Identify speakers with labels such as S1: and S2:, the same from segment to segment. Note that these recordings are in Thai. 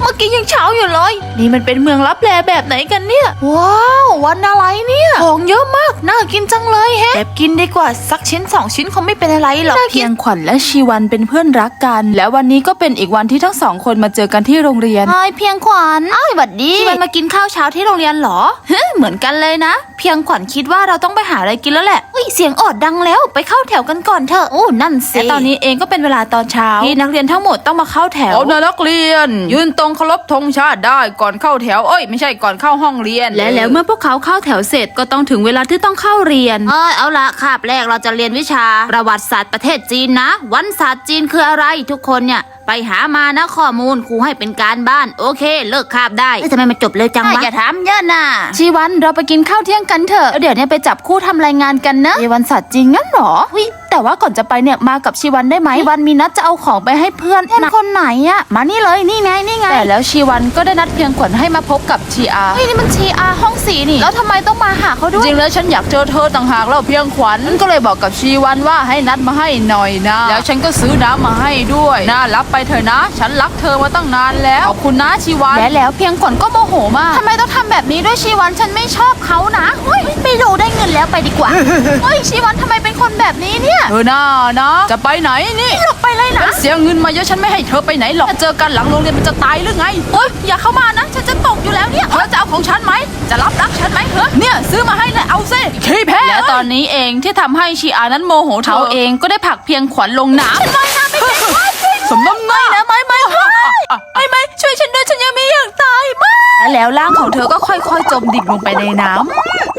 S1: มื่อกี้ยังเช้าอยู่เลยนี่มันเป็นเมืองลับแลแบบไหนกันเนี่ยว้าววันอะไรเนี่ยของเยอะมากน่ากินจังเลยแฮะแอบกินดีกว่าสักชิ้น2 ชิ้นคงไม่เป็นอะไรหรอกเพียงขวัญและชีวันเป็นเพื่อนรักกันแล้ววันนี้ก็เป็นอีกวันที่ทั้งสองคนมาเจอกันที่โรงเรียนเพียงขวัญสวัสดีชีวันมากินข้าวเช้าที่โรงเรียนเหรอเหมือนกันเลยนะเพียงขวัญคิดว่าเราต้องไปหาอะไรกินแล้วแหละเสียงออดดังแล้วไปเข้าแถวกันก่อนเถอะโอ้นั่นสิแต่ตอนนี้เองก็เป็นเวลาตอนเช้าที่นักเรียนทั้งหมดต้องมาเข้าแถว
S2: เอานักเรียนยืนตรงเคารพธงชาติได้ก่อนเข้าแถวไม่ใช่ก่อนเข้าห้องเรียน
S1: และแล้วเมื่อพวกเขาเข้าแถวเสร็จก็ต้องถึงเวลาที่ต้องเข้าเรียนเอาละคาบแรกเราจะเรียนวิชาประวัติศาสตร์ประเทศจีนนะวันศาสตร์จีนคืออะไรทุกคนเนี่ยไปหามานะข้อมูลครูให้เป็นการบ้านโอเคเลิกคาบได้ทำไมมันจบเลยจังวะอย่าถามเยอะนะชีวันเราไปกินข้าวเที่ยงกันเถอะเดี๋ยวเนี่ยไปจับคู่ทำรายงานกันนะวันศาสตร์จีนงั้นหรอแต่ว่าก่อนจะไปเนี่ยมากับชีวันได้ไหมชีวันมีนัดจะเอาของไปให้เพื่อนคนไหนอะมานี่เลยนี่ไงแต่แล้วชีวันก็ได้นัดเพียงขวัญให้มาพบกับชีอานี่มันชีอาห้องสีนี่แล้วทำไมต้องมาหาเขาด้วย
S2: จริงแล้วฉันอยากเจอเธอต่างหากแล้วเพียงขวัญก็เลยบอกกับชีวันว่าให้นัดมาให้หน่อยนะแล้วฉันก็ซื้อน้ำมาให้ด้วยน่ารับไปเถอะนะฉันรักเธอมาตั้งนานแล้วขอบคุณนะชีวัน
S1: และแล้วเพียงขวัญก็โมโหมากทำไมต้องทำแบบนี้ด้วยชีวันฉันไม่ชอบเขานะไม่รู้ได้เงินแล้วไปดีกว่าชีวันทำไมเป็นคนแบบนี้เนี่ย
S2: น่านะจะไปไหนนี่
S1: หลบไปเลยนะ
S2: เสียเงินมาเยอะฉันไม่ให้เธอไปไหนหรอกเจอกันหลังโรงเรียนมันจะตายหรือไง
S1: อย่าเข้ามานะฉันจะตกอยู่แล้วเนี่ย
S2: เธอจะเอาของฉันไหมจะรับรักฉันไหมเนี่ยซื้อมาให้เลยเอาซิขี้แพ้และตอนนี้เองที่ทำให้ชีอานั้นโมโหเขาเองก็ได้ผลักเพียงขวัญลงน้ำ
S1: ไม่นะไม่
S2: สมน้ำหน้า
S1: นะไม่ช่วยฉันด้วยฉันยังไม่อยากตายมาก
S2: แล้วร่างของเธอก็ค่อยๆจมดิ่งลงไปในน้ำ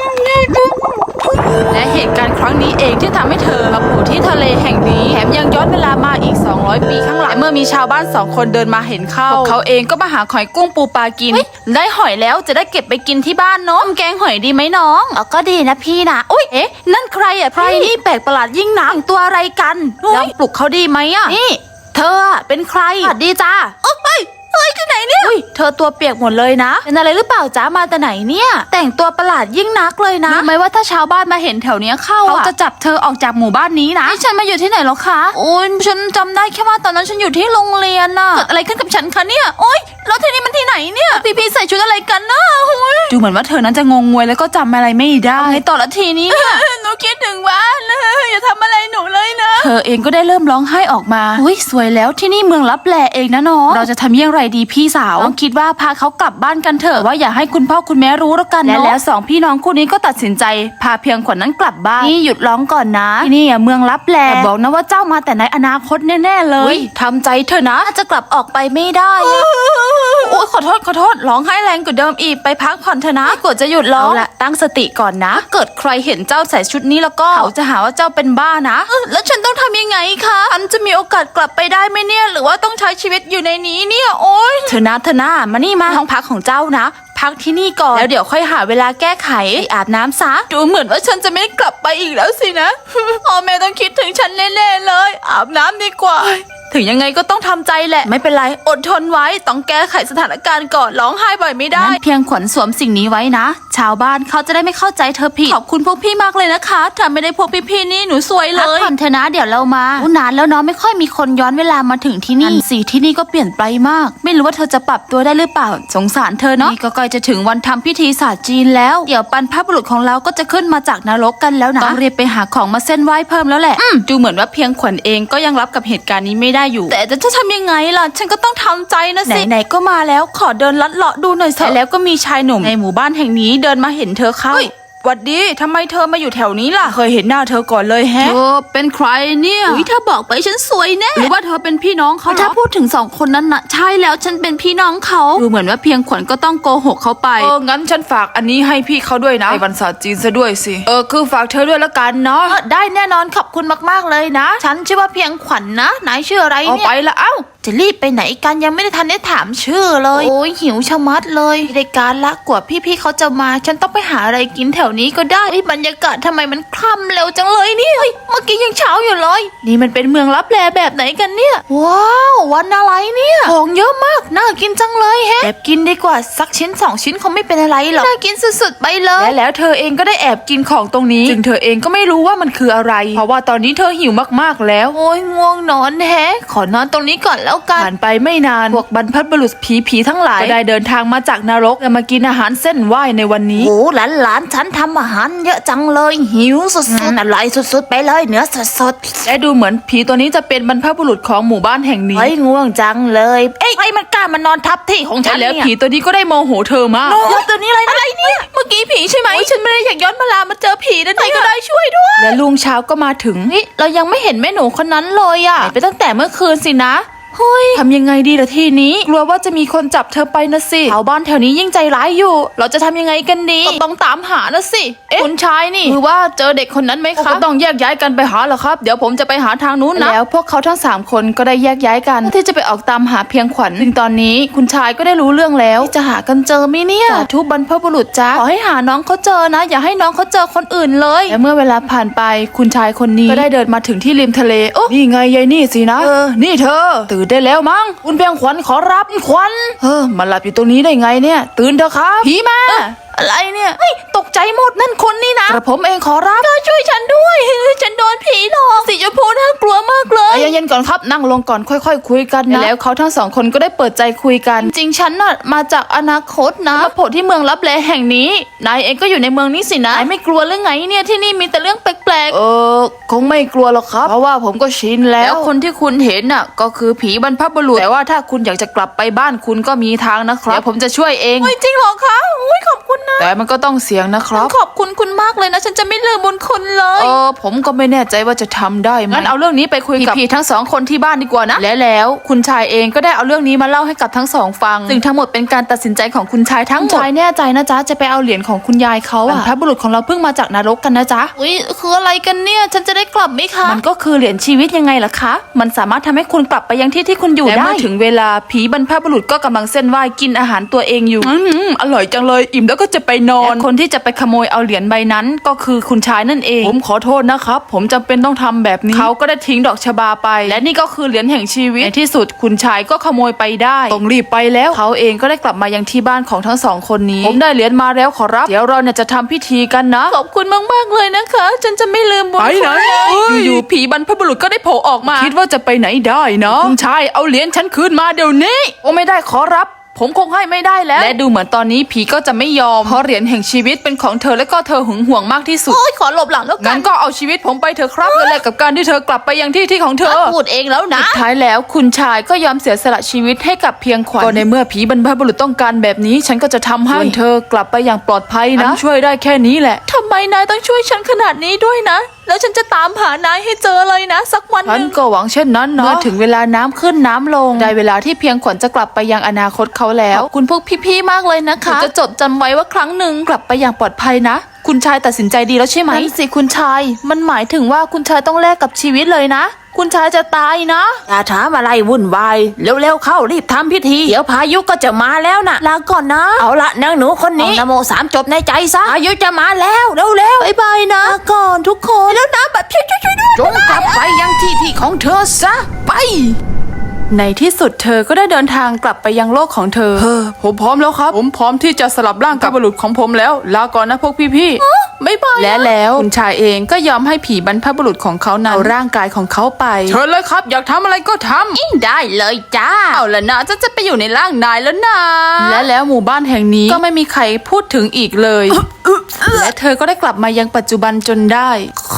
S2: และเหตุการณ์ครั้งนี้เองที่ทำให้เธอมาโผล่ที่ทะเลแห่งนี้แถมยังย้อนเวลามาอีก200 ปีข้างหลังเมื่อมีชาวบ้าน2 คนเดินมาเห็นเข้าเขาเองก็มาหาหอยกุ้งปูปลากินได้หอยแล้วจะได้เก็บไปกินที่บ้านเนาะแกงหอยดีไหมน้อง
S1: ก็ดีนะพี่นะนั่นใครอ่ะใครนี่แปลกประหลาดยิ่งนักตัวอะไรกัน
S2: ลองปลุกเขาดีไหมอ่ะ
S1: นี่เธอเป็นใคร
S2: ดีจ้า
S1: ที่ไหนเนี่ย
S2: เธอตัวเปียกหมดเลยนะ
S1: เป็นอะไรหรือเปล่าจ้ามาแต่ไหนเนี่ยแต่งตัวประหลาดยิ่งนักเลยนะ
S2: รู้ไหมว่าถ้าชาวบ้านมาเห็นแถวนี้เข้าเขาจะจับเธอออกจากหมู่บ้านนี้นะ
S1: ฉันมาอยู่ที่ไหนหรอคะฉันจำได้แค่ว่าตอนนั้นฉันอยู่ที่โรงเรียนน่ะเกิดอะไรขึ้นกับฉันคะเนี่ยแล้วที่นี่มันที่ไหนเนี่ยพี่ใส่ชุดอะไรกันนะ
S2: ดูเหมือนว่าเธอนั้นจะงงงวยแล้วก็จำอะไรไม่ได้
S1: ต่อละทีนี้หนูคิดถึงบ้านเลยอย่าทำอะไรหนูเลยนะ
S2: เธอเองก็ได้เริ่มร้องไห้ออกมาสวยแล้วที่นี่เมืองลับแลเองนะน้องเราจะทำอย่างไรดีพี่สาวคิดว่าพาเขากลับบ้านกันเถอะว่าอย่าให้คุณพ่อคุณแม่รู้แล้วกันและแล้ว2 พี่น้องคู่นี้ก็ตัดสินใจพาเพียงขวัญนั้นกลับบ้าน
S1: นี่หยุดร้องก่อนนะ
S2: นี่เมืองลับแลบอกนะว่าเจ้ามาแต่ในอนาคตแน่ๆเลยทำใจเถอะนะ
S1: จะกลับออกไปไม่ได้
S2: ขอโทษร้องไห้แรงกว่าเดิมอีกไปพักผ่อนเถอะนะ
S1: กดจะหยุดร้อง
S2: ละตั้งสติก่อนนะเกิดใครเห็นเจ้าใส่ชุดนี้แล้วก็เขาจะหาว่าเจ้าเป็นบ้านะ
S1: แล้วฉันต้องทำยังไงคะฉันจะมีโอกาสกลับไปได้ไหมเนี่ยหรือว่าต้องใช้ชีวิตอยู่ในนี้เนี่ย
S2: เธอนะมานี่มาห้องพักของเจ้านะพักที่นี่ก่อนแล้วเดี๋ยวค่อยหาเวลาแก้ไขอาบน้ำซะ
S1: ดูเหมือนว่าฉันจะไม่กลับไปอีกแล้วสินะพ่อแม่ต้องคิดถึงฉันแน่ๆเลยอาบน้ำดีกว่า
S2: ถึงยังไงก็ต้องทำใจแหละไม่เป็นไรอดทนไว้ต้องแก้ไขสถานการณ์ก่อนร้องไห้บ่อยไม่ได้เพียงขวัญสวมสิ่งนี้ไว้นะชาวบ้านเขาจะได้ไม่เข้าใจเธอผิดขอบคุณพวกพี่มากเลยนะคะถ้าไม่ได้พวกพี่ๆนี่หนูสวยเลย
S1: พักผ่อนเถอะนะเดี๋ยวเรามานานแล้วเนาะไม่ค่อยมีคนย้อนเวลามาถึงที่นี่
S2: สีที่นี่ก็เปลี่ยนไปมากไม่รู้ว่าเธอจะปรับตัวได้หรือเปล่าสงสารเธอเนาะนี่ก็ใกล้จะถึงวันทำพิธีศาสตร์จีนแล้วเดี๋ยวบรรพบุรุษของเราก็จะขึ้นมาจากนรกกันแล้วนะต้องรีบไปหาของมาเส้นไหว้เพิ่มแล้วแหละดูเหมือนว่าเพียงขวัญเองก็ยังรับกับเหตุการณ์นี้ไม่ได้อยู่แต่จะทำยังไงล่ะฉันก็ต้องทำใจนะสิไหนๆก็มาแล้วขอเดินลัดเลาะดูหน่อยเถอะแล้วก็มีชายหนุ่มในหมู่บ้านแห่งนี้เดินมาเห็นเธอเข้าหวัดดีทำไมเธอมาอยู่แถวนี้ล่ะเคยเห็นหน้าเธอก่อนเลยแฮะเธอเป็นใครเนี่ย
S1: ถ้าบอกไปฉันสวยแน่
S2: หรือว่าเธอเป็นพี่น้องเขา
S1: ถ้าพูดถึง2 คนนั้นนะใช่แล้วฉันเป็นพี่น้องเขา
S2: ดูเหมือนว่าเพียงขวัญก็ต้องโกหกเขาไปงั้นฉันฝากอันนี้ให้พี่เขาด้วยนะในวันศาสตร์จีนซะด้วยสิคือฝากเธอด้วยละกันเนาะ
S1: ได้แน่นอนขอบคุณมากๆเลยนะฉันชื่อว่าเพียงขวัญนะนายชื่ออะไรเนี่ย
S2: ไปละ
S1: จะรีบไปไหนกันยังไม่ได้ทันได้ถามชื่อเลยหิวชะมัดเลยรายการละกว่าพี่ๆเขาจะมาฉันต้องไปหาอะไรกินแถวนี้ก็ได้บรรยากาศทำไมมันคล่ำเร็วจังเลยนี่เมื่อกี้ยังเช้าอยู่เลยนี่มันเป็นเมืองลับแลแบบไหนกันเนี่ยว้าววันอะไรเนี่ยของเยอะมากน่ากินจังเลยแฮะแอบกินดีกว่าสักชิ้น2 ชิ้นคงไม่เป็นอะไรหรอกน่ากินสุดๆไปเลย
S2: และแล้วเธอเองก็ได้แอบกินของตรงนี้จึงเธอเองก็ไม่รู้ว่ามันคืออะไรเพราะว่าตอนนี้เธอหิวมากๆแล้ว
S1: ง่วงนอนแฮะขอนอนตรงนี้ก่อนแล้ว
S2: แล้วกันผ่านไปไม่นานพวกบรรพบุรุษผีทั้งหลายก็ได้เดินทางมาจากนรกจะมากินอาหารเส้นไหว้ในวันนี้
S1: โอ้หลานฉันทำอาหารเยอะจังเลยหิวสุดๆอร่อยสุดๆไปเลยเนื้อสดๆ
S2: และดูเหมือนผีตัวนี้จะเป็นบรรพบุรุษของหมู่บ้านแห่งนี้
S1: เฮ้ยง่วงจังเลยเอ้ยมันกล้ามานอนทับที่ของฉัน
S2: แล้ว
S1: เนี่ย
S2: ผีตัวนี้ก็ได้โมโหเธอมาก
S1: โน้ตตัวนี้อะไรเนี่ย
S2: เมื่อกี้ผีใช่ไหมฉันไม่ได้อยากย้อนเวลามาเจอผีนั่นเองก็ได้ช่วยด้วยและลุงเช้าก็มาถึงเรายังไม่เห็นแม่หนูคนนั้นเลยอะหายไปตั้งแต่เมื่อคืนสินะเฮ้ยทำยังไงดีล่ะทีนี้กลัวว่าจะมีคนจับเธอไปนะสิชาวบ้านแถวนี้ยิ่งใจร้ายอยู่ เราจะทำยังไงกันดีก็ต้องตามหานะสิคุณชายนี่คือว่าเจอเด็กคนนั้นไหมคะก็ต้องแยกย้ายกันไปหาเหรอครับเดี๋ยวผมจะไปหาทางนู้นนะแล้วพวกเขาทั้ง3คนก็ได้แยกย้ายกันที่จะไปออกตามหาเพียงขวัญซึ่งตอนนี้คุณชายก็ได้รู้เรื่องแล้วจะหากันเจอไหมเนี่ยสาธุบรรพบุรุษจ้าขอให้หาน้องเขาเจอนะอย่าให้น้องเขาเจอคนอื่นเลยและเมื่อเวลาผ่านไปคุณชายคนนี้ก็ได้เดินมาถึงที่ริมทะเลโอ้นี่ไงยายนี่สินะนี่เธอตื่นได้แล้วมั้งคุณเพียงขวัญขอรับขวัญมาหลับอยู่ตรงนี้ได้ไงเนี่ยตื่นเถอะครับผีมาอะไรเนี่ยตกใจหมดนั่นคนนี่นะกระผมเองขอรับช่วยฉันด้วยฉันโดนผีหลอกสีชมพูน่ากลัวมากเลยเย็นๆก่อนครับนั่งลงก่อนค่อยๆคุยกันนะแล้วเขาทั้ง2คนก็ได้เปิดใจคุยกันจริงฉันน่ะมาจากอนาคตนะมาโผล่ที่เมืองลับแลแห่งนี้นายเองก็อยู่ในเมืองนี้สินะนายไม่กลัวหรือไงเนี่ยที่นี่มีแต่เรื่องแปลกๆคงไม่กลัวหรอกครับเพราะว่าผมก็ชินแล้วคนที่คุณเห็นน่ะก็คือผีบรรพบุรุษแต่ว่าถ้าคุณอยากจะกลับไปบ้านคุณก็มีทางนะครับเดี๋ยวผมจะช่วยเองจริงหรอคะขอบคุณนะแต่มันก็ต้องเสี่ยงนะครับขอบคุณคุณมากเลยนะฉันจะไม่ลืมบุญคุณเลยผมก็ไม่แน่ใจว่าจะทำได้ไหมงั้นเอาเรื่องนี้ไปคุยกับพี่ทั้ง2คนที่บ้านดีกว่านะแล้วคุณชายเองก็ได้เอาเรื่องนี้มาเล่าให้กับทั้ง2ฟังซึ่งทั้งหมดเป็นการตัดสินใจของคุณชายทั้งหมดคุณชายแน่ใจนะจ๊ะจะไปเอาเหรียญของคุณยายเขาบรรพบุรุษของเราเพิ่งมาจากนรกกันนะจ๊ะคืออะไรกันเนี่ยฉันจะได้กลับไหมคะมันก็คือเหรียญชีวิตยังไงล่ะคะมันสามารถทำให้คุณกลับไปยังที่ที่คุณอยู่ได้และเมื่อถึงเวลาผีบรรพบุรุษก็กำลังเส้นไหว้กินอาหารตัวเองอยู่อร่อยจังเลยอิ่มแล้วก็จะไปนอนคนที่จะไปขโมยเอาเหรียญใบนั้นก็คือคุณชายนั่นเองผมขอโทษนะครับผมจำเป็นต้องทำแบบนี้เขาก็ได้ทิ้งดอกชบาไปและนี่ก็คือเหรียญแห่งชีวิตในที่สุดคุณชายก็ขโมยไปได้ต้องรีบไปแล้วเขาเองก็ได้กลับมายังที่บ้านของทั้ง2คนนี้ผมได้เหรียญมาแล้วขอรับเดี๋ยวเราเนี่ยจะทำพิธีกันนะขอบคุณมากๆเลยนะคะฉันจะไม่ลืมบุญคุณอยู่ๆผีบรรพบุรุษก็ได้โผล่ออกมาคิดว่าจะไปไหนได้นะคุณชายเอาเหรียญฉันคืนมาเดี๋ยวนี้โอ้ไม่ได้ขอรับผมคงให้ไม่ได้แล้วและดูเหมือนตอนนี้ผีก็จะไม่ยอมเพราะเหรียญแห่งชีวิตเป็นของเธอและก็เธอหึงหวงมากที่สุดขอหลบหลังแล้วกันงั้นก็เอาชีวิตผมไปเถอะครับเพื่อแลกกับการที่เธอกลับไปยังที่ของเธอพูดเองแล้วนะสุดท้ายแล้วคุณชายก็ยอมเสียสละชีวิตให้กับเพียงขวัญก็ในเมื่อผีบรรพบุรุษต้องการแบบนี้ฉันก็จะทำให้เธอกลับไปอย่างปลอดภัยนะช่วยได้แค่นี้แหละทำไมนายต้องช่วยฉันขนาดนี้ด้วยนะแล้วฉันจะตามหานายให้เจอเลยนะสักวันนึงฉันก็หวังเช่นนั้นเนาะเมื่อถึงเวลาน้ำขึ้นน้ำลงได้เวลาที่เพียงขวัญจะกลับไปยังอนาคตเขาแล้วขอบคุณพวกพี่ๆมากเลยนะคะจะจดจำไว้ว่าครั้งหนึ่งกลับไปอย่างปลอดภัยนะคุณชายตัดสินใจดีแล้วใช่ไหมนั่นสิคุณชายมันหมายถึงว่าคุณชายต้องแลกกับชีวิตเลยนะคุณชายจะตายนะ
S1: อย่าถามอะไรวุ่นวายเร็วๆเข้ารีบทำพิธีเดี๋ยวพายุก็จะมาแล้วนะ
S2: ลาก่อนนะ
S1: เอาละนางหนูคนนี้นะโม3จบในใจซะพายุจะมาแล้วเร็ว
S2: ๆบายนะลาก่อนทุกคน
S1: แล้วนะแบบช่วยด้วยจงกลับไปยังที่ของเธอซะไป
S2: ในที่สุดเธอก็ได้เดินทางกลับไปยังโลกของเธอผมพร้อมแล้วครับผมพร้อมที่จะสลับร่างกับบรรพบุรุษของผมแล้วลาก่อนนะพวกพี่ๆไม่บายและแล้วคุณชายเองก็ยอมให้ผีบรรพบุรุษของเขานำร่างกายของเขาไปเชิญเลยครับอยากทำอะไรก็ทำ
S1: ได้เลยจ้า
S2: เอาละนะจะไปอยู่ในร่างนายแล้วนะและแล้วหมู่บ้านแห่งนี้ก็ไม่มีใครพูดถึงอีกเลยและเธอก็ได้กลับมายังปัจจุบันจนได้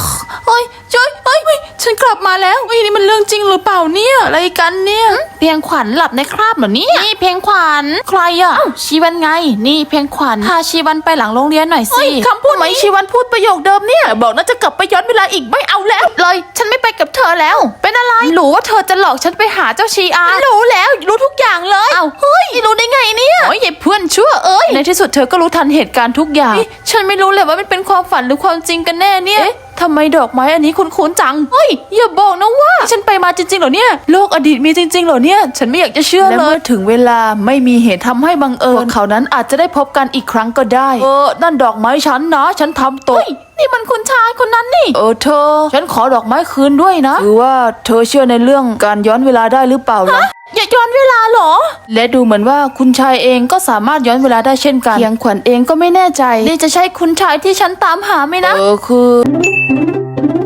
S2: ฉันกลับมาแล้วนี่มันเรื่องจริงหรือเปล่าเนี่ยอะไรกันเนี่ยเพียงขวัญหลับในคราบเหรอเนี่ย
S1: นี่เพียงขวัญ
S2: ใครอ่ะชีวันไงนี่เพียงขวัญพาชีวันไปหลังโรงเรียนหน่อยสิคำพูดไหมชีวันพูดประโยคเดิมเนี่ยบอกน่าจะกลับไปย้อนเวลาอีกไม่เอาแล้วเลยฉันไม่ไปกับเธอแล้วเป็นอะไรรู้ว่าเธอจะหลอกฉันไปหาเจ้าชีอารู้แล้วรู้ทุกอย่างเลยเอ้าเฮ้ยรู้ได้ไงเนี่ยโอ้ยไอ้เพื่อนชั่วในที่สุดเธอก็รู้ทันเหตุการณ์ทุกอย่างฉันไม่รู้เลยว่ามันเป็นความฝันหรือความจริงกันแน่เนี่ยทำไมดอกไม้อันนี้คุ้นๆจังเฮ้ยอย่าบอกนะว่าฉันไปมาจริงๆเหรอเนี่ยโลกอดีตมีจริงๆเหรอเนี่ยฉันไม่อยากจะเชื่อเลยและเมื่อถึงเวลาไม่มีเหตุทำให้บังเอิญเขานั้นอาจจะได้พบกันอีกครั้งก็ได้นั่นดอกไม้ฉันนะฉันทำตกนี่มันคุณชายคนนั้นนี่เธอฉันขอดอกไม้คืนด้วยนะคือว่าเธอเชื่อในเรื่องการย้อนเวลาได้หรือเปล่าล่ะอย่าย้อนเวลาหรอและดูเหมือนว่าคุณชายเองก็สามารถย้อนเวลาได้เช่นกันเพียงขวัญเองก็ไม่แน่ใจนี่จะใช่คุณชายที่ฉันตามหาไหมนะคือ